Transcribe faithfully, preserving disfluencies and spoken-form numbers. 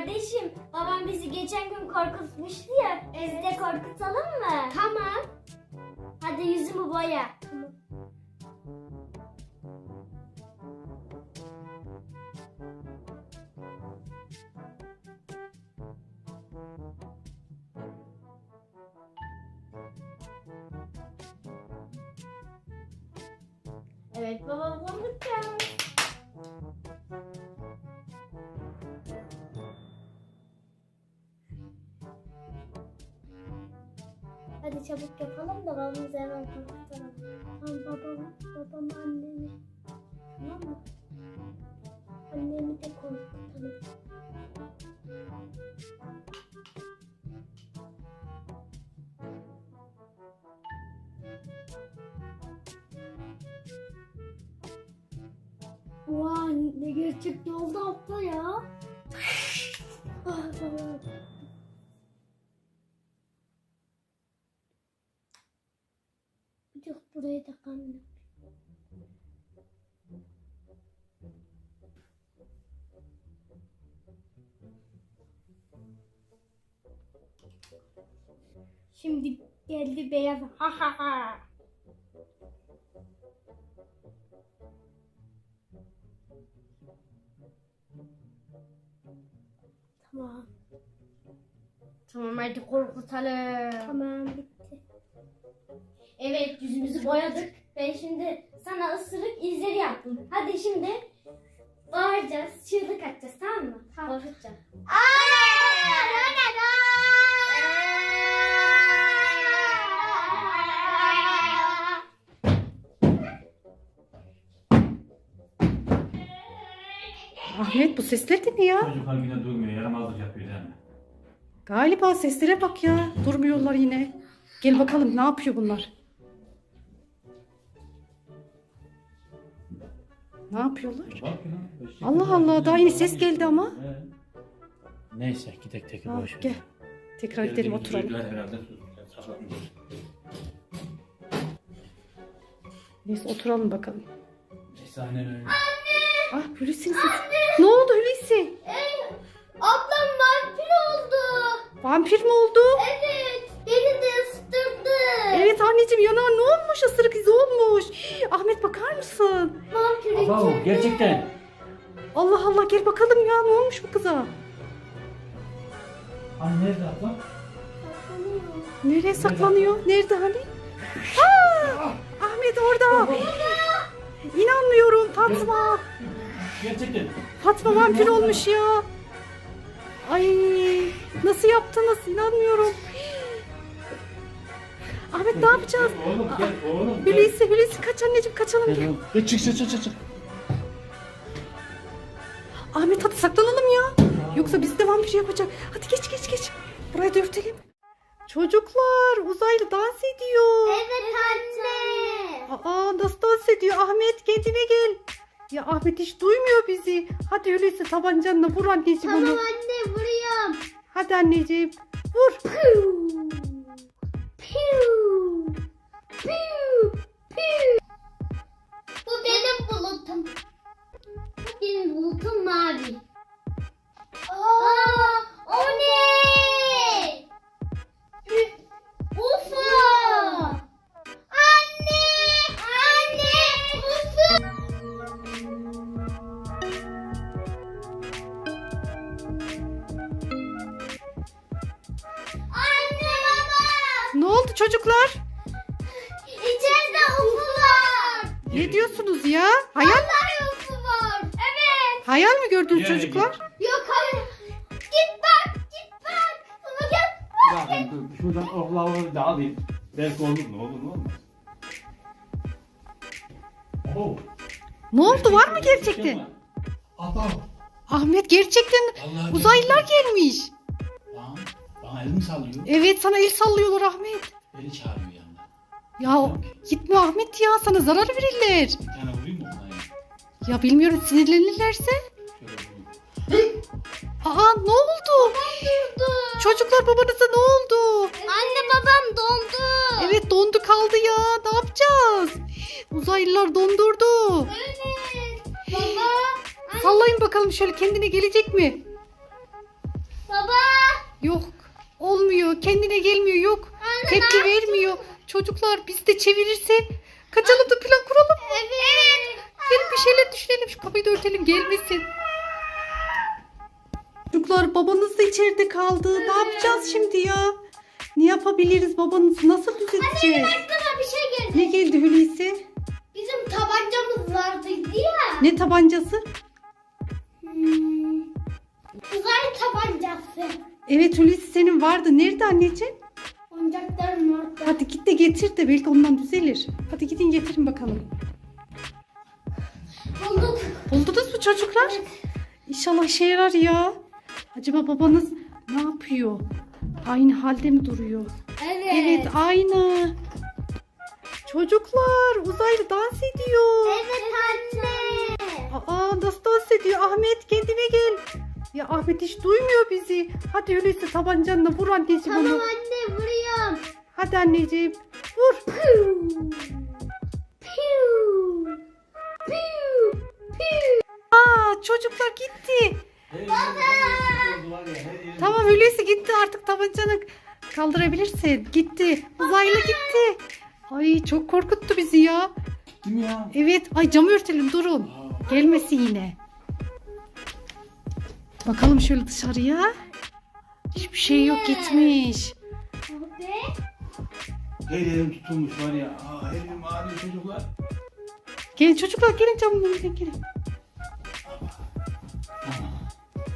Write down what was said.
Kardeşim, babam bizi geçen gün korkutmuştu ya. Evet. Biz de korkutalım mı? Tamam. Hadi yüzümü boya. Tamam. Evet baba, korkutacağım. Hadi çabuk yapalım da babamızı hemen korkutalım. Tamam babam, babam annemi. Tamam mı? Annemi de korkutalım. Vay ne gerçekçi oldu abla ya. Ah, tamam. Yok burayı da kanlı. Şimdi geldi beyaz. Ha ha ha. Tamam. Tamam, hadi korkutalım. Tamam bitti. Evet, yüzümüzü boyadık. Ben şimdi sana ısırık izleri yaptım. Hadi şimdi bağıracağız, çığlık atacağız, tamam mı? Tamam. Korkutacağım. Ahmet, bu sesler de ne ya? Çocuklar yine durmuyor, yaramazlık yapıyor değil mi? Galiba seslere bak ya. Durmuyorlar yine. Gel bakalım ne yapıyor bunlar? Ne yapıyorlar? Bak ya. eşek Allah gibi Allah, bak, daha yine yeni ses falan geldi geçiyor. ama. He. Neyse gidek tek Ha, boş ver. gel. Tekrar gidelim, Geldiğimiz oturalım. duydular herhalde, susmuşlar, saklanmışlar. Neyse oturalım bakalım. Neyse aynen öyle. Ah Hulusi'nin sesi. Ne oldu Hulusi? Ablam vampir oldu. Vampir mi oldu? Evet. Beni de ısıtırdı. Evet anneciğim, yana ne olmuş? Isırık izi olmuş. Hii, Ahmet bakar mısın? Vampir Abo, içeride. gerçekten. Allah Allah, gel bakalım ya, ne olmuş bu kıza? Hani nerede abla? Nereye saklanıyor? Nerede hani? Aa! Ahmet orada. İnanmıyorum Fatma. Gerçekten. Fatma vampir olmuş ya. Ay, nasıl yaptınız? İnanmıyorum. Ahmet ne yapacağız? Gel oğlum, gel oğlum. gel. Hulusi, Hulusi kaç anneciğim, kaçalım. Gel oğlum. Gel, çık çık çık çık, çık. Ahmet hadi saklanalım ya. Yoksa bizi de vampir yapacak. Hadi geç geç geç. Burayı da örtelim. Çocuklar, uzaylı dans ediyor. Evet anne. Aa, nasıl dans ediyor? Ahmet kendine gel. Ya Ahmet hiç duymuyor bizi. Hadi öyleyse tabancanla vur anneciğim Tamam onu. anne vuruyorum. Hadi anneciğim vur. Piu. Piu. Piu. Piu. Bu benim bulutum. Bu benim bulutum mavi. Aa, o ne? Ü- U F O. Anne! Anne! U F O. Anne baba! Ne oldu çocuklar? İçeride U F O var. Ne diyorsunuz ya? Hayal, Vallahi U F O var. Evet. hayal mi gördünüz Yere çocuklar? Yok hayır. Git bak, git bak. Ama gel. Ya ben dur, şuradan oklaları da alayım. Belki olur mu? Olur mu? Olmaz. Oo. Ne oldu, var mı gerçekten? Aba. Ahmet gerçekten Vallahi uzaylılar gelmiş. Bana, bana elimi sallıyor. Evet, sana el sallıyorlar Ahmet. Beni çağırıyor yanında. Ya gitme Ahmet ya, sana zarar verirler. Bir tane vurayım mı ona ya? Ya bilmiyorum, sinirlenirlerse. Şöyle vurayım. Aa, ne oldu? Çocuklar, babanıza ne oldu? Anne babam dondu. Evet, dondu kaldı ya. Ne yapacağız? Uzaylılar dondurdu. Evet. Baba. Sallayın bakalım şöyle, kendine gelecek mi? Yok. Olmuyor. Kendine gelmiyor. Yok. Tepki vermiyor. Çocuklar biz de çevirirse kaçalım da plan kuralım. Evet. Gelin bir şeyler düşünelim. Şu kapıyı da örtelim. Gelmesin. Çocuklar babanız da içeride kaldı. Ne yapacağız şimdi ya? Ne yapabiliriz? Babanızı nasıl düzelteceğiz? Aklıma bir şey geldi. Ne geldi Hulusi? Bizim tabancamız vardı ya. Ne tabancası? Hmm. Uzay tabancası. Evet Hulusi senin vardı. Nerede anneciğim? Oyuncaklarım orada. Hadi git de getir de belki ondan düzelir. Hadi gidin getirin bakalım. Bulduk. Buldunuz mu çocuklar? İnşallah işe yarar ya. Acaba babanız ne yapıyor? Aynı halde mi duruyor? Evet. Evet aynı. Çocuklar uzaylı dans ediyor. Evet anne. Aa nasıl dans ediyor? Ahmet kendine gel. Ya Ahmet hiç duymuyor bizi. Hadi öyleyse tabancanla vur anneciğim Tamam onu. anne vuruyorum. Hadi anneciğim vur. Piu. Piu. Piu. Piu. Aa çocuklar gitti. Tamam öyleyse gitti artık tabancanı kaldırabilirsin. Gitti. Uzaylı gitti. Ay çok korkuttu bizi ya. Değil mi ya? Evet. Ay camı örtelim durun. Gelmesin yine. Bakalım şöyle dışarıya. Hiçbir şey yok gitmiş. Ve Her yerim tutulmuş var ya. Aa, her yerim ağrıyor çocuklar. Gelin çocuklar gelin camın önüne gelin.